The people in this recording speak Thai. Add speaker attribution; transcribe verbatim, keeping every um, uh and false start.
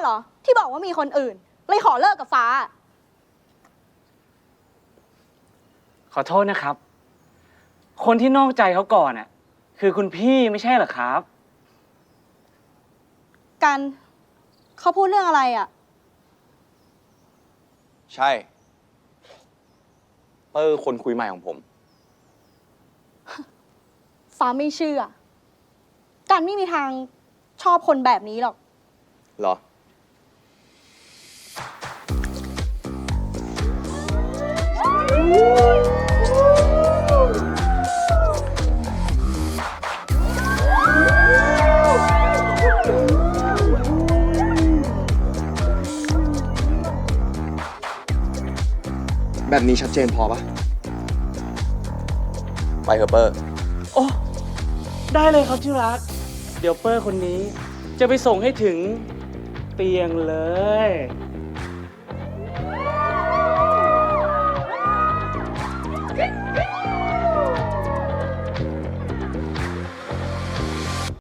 Speaker 1: อที่บอกว่ามีคนอื่นเลยขอเลิกกับฟ้า
Speaker 2: ขอโทษนะครับคนที่นอกใจเขาก่อนอ่ะคือคุณพี่ไม่ใช่เหรอครับ
Speaker 1: กันเขาพูดเรื่องอะไรอ่ะ
Speaker 3: ใช่เปอร์คนคุยใหม่ของผม
Speaker 1: ฟ้าไม่เชื่อกันไม่มีทางชอบคนแบบนี้หรอก
Speaker 3: เหรอแบบนี้ชัดเจนพอปะไปเถอะเปอร์
Speaker 2: โอ้ได้เลยครับที่รักเดี๋ยวเปอร์คนนี้จะไปส่งให้ถึงเตียงเลย